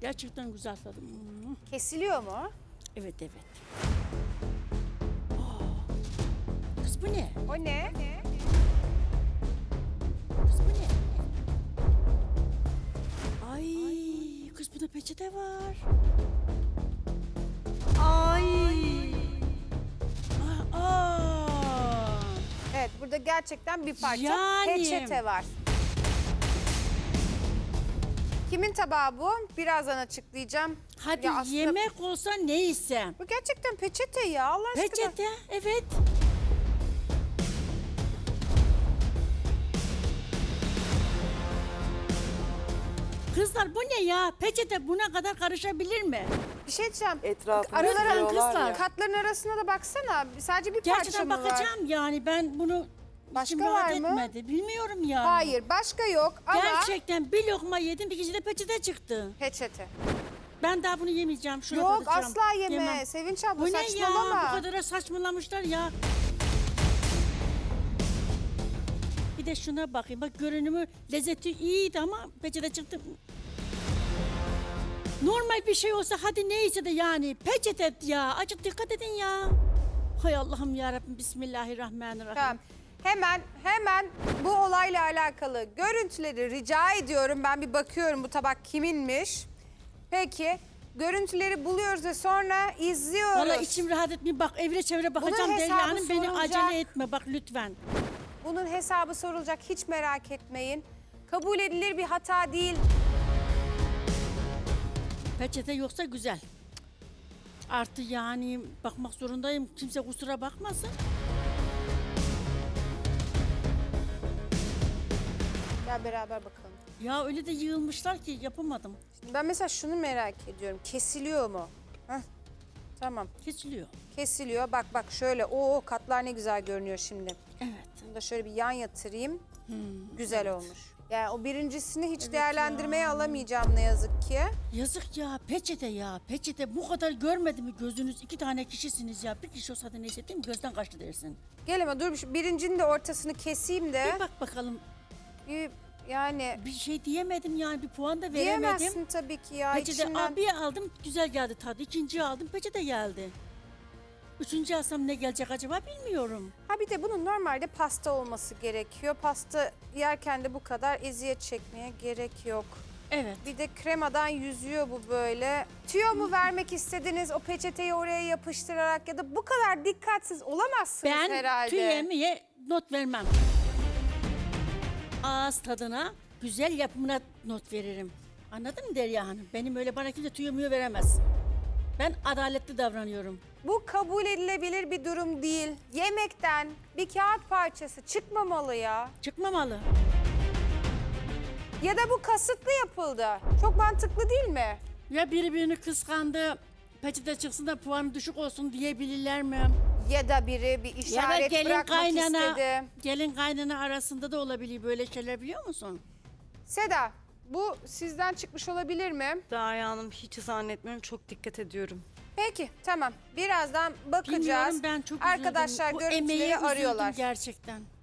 Gerçekten güzel tadı. Kesiliyor mu? Evet evet. Kız bu ne? O ne? Kız bu ne? Ay kız bunda peçete var. Ay. Aa. Evet, burada gerçekten bir parça Yani. peçete var. Kimin tabağı bu? Birazdan açıklayacağım. Hadi Ya aslında yemek olsa neyse. bu gerçekten peçete ya, Allah aşkına. Peçete evet. Kızlar bu ne ya? Peçete buna kadar karışabilir mi? Bir şey diyeceğim. Etrafına Aralara sürüyorlar kızlar. ya. Katların arasına da baksana. Sadece bir parça Gerçekten mı var? bakacağım yani ben bunu Başka içim rahat var mı? etmedi. Bilmiyorum yani. Hayır, başka yok ama Gerçekten bir lokma yedim bir kişide peçete çıktı. peçete. Ben daha bunu yemeyeceğim. Şuna Yok, tadacağım. asla yeme. Yemem. Sevinç abla, Bu ne ya? saçmalama. Bu kadar saçmalamışlar ya. Bir de şuna bakayım. Bak görünümü, lezzeti iyiydi ama peçete çıktı. Normal bir şey olsa hadi neyse de yani peçete ya. Acık dikkat edin ya. Hay Allah'ım yarabbim Bismillahirrahmanirrahim. Tamam. Hemen bu olayla alakalı görüntüleri rica ediyorum. Ben bir bakıyorum bu tabak kiminmiş. Peki, görüntüleri buluyoruz ve sonra izliyoruz. Valla içim rahat etmiyor. Bak evre çevre bakacağım hesabı Derya Hanım. Beni sorulacak. acele etme bak lütfen. Bunun hesabı sorulacak, hiç merak etmeyin. Kabul edilir bir hata değil. Peçete yoksa güzel. Artı yani bakmak zorundayım. Kimse kusura bakmasın. Gel beraber bakalım. Ya öyle de yığılmışlar ki yapamadım. Şimdi ben mesela şunu merak ediyorum. Kesiliyor mu? Heh. Tamam. Kesiliyor. Kesiliyor. Bak şöyle. Oo, katlar ne güzel görünüyor şimdi. Evet. Bunu da şöyle bir yan yatırayım. Güzel olmuş. Yani o birincisini hiç Evet değerlendirmeye ya. alamayacağım ne yazık ki. Yazık ya peçete ya. Peçete bu kadar görmedi mi gözünüz? 2 tane kişisiniz ya. Bir kişi olsa da neyse değil mi? Gözden kaçtı dersin. Gel ama dur şu birincinin de ortasını keseyim de. Bir bak bakalım. Yani Bir şey diyemedim yani. Bir puan da veremedim. diyemezsin tabii ki ya. Peçete içinden. bir aldım güzel geldi tadı. İkinciyi aldım peçete geldi. Üçüncü alsam ne gelecek acaba bilmiyorum. Ha bir de bunun normalde pasta olması gerekiyor. Pasta yerken de bu kadar eziyet çekmeye gerek yok. Evet. Bir de kremadan yüzüyor bu böyle. Tüyo mu vermek istediniz o peçeteyi oraya yapıştırarak ya da bu kadar dikkatsiz olamazsınız Ben herhalde. tüyemeye not vermem. Ağız tadına, güzel yapımına not veririm. Anladın mı Derya Hanım? Benim öyle bana kimse tüyemiyor veremez. Ben adaletli davranıyorum. Bu kabul edilebilir bir durum değil. Yemekten bir kağıt parçası çıkmamalı ya. Çıkmamalı. Ya da bu kasıtlı yapıldı. Çok mantıklı değil mi? Ya biri birini kıskandı, peçete çıksın da puanı düşük olsun diyebilirler mi? Ya da biri bir Ya da işaret bırakmak istedi. gelin kaynana arasında da olabilir böyle şeyler biliyor musun? Seda, bu sizden çıkmış olabilir mi? Derya Hanım hiç zannetmiyorum. Çok dikkat ediyorum. Peki, tamam. Birazdan bakacağız. Bilmiyorum ben çok üzüldüm. Arkadaşlar Bu görüntüleri emeğe üzüldüm arıyorlar. gerçekten.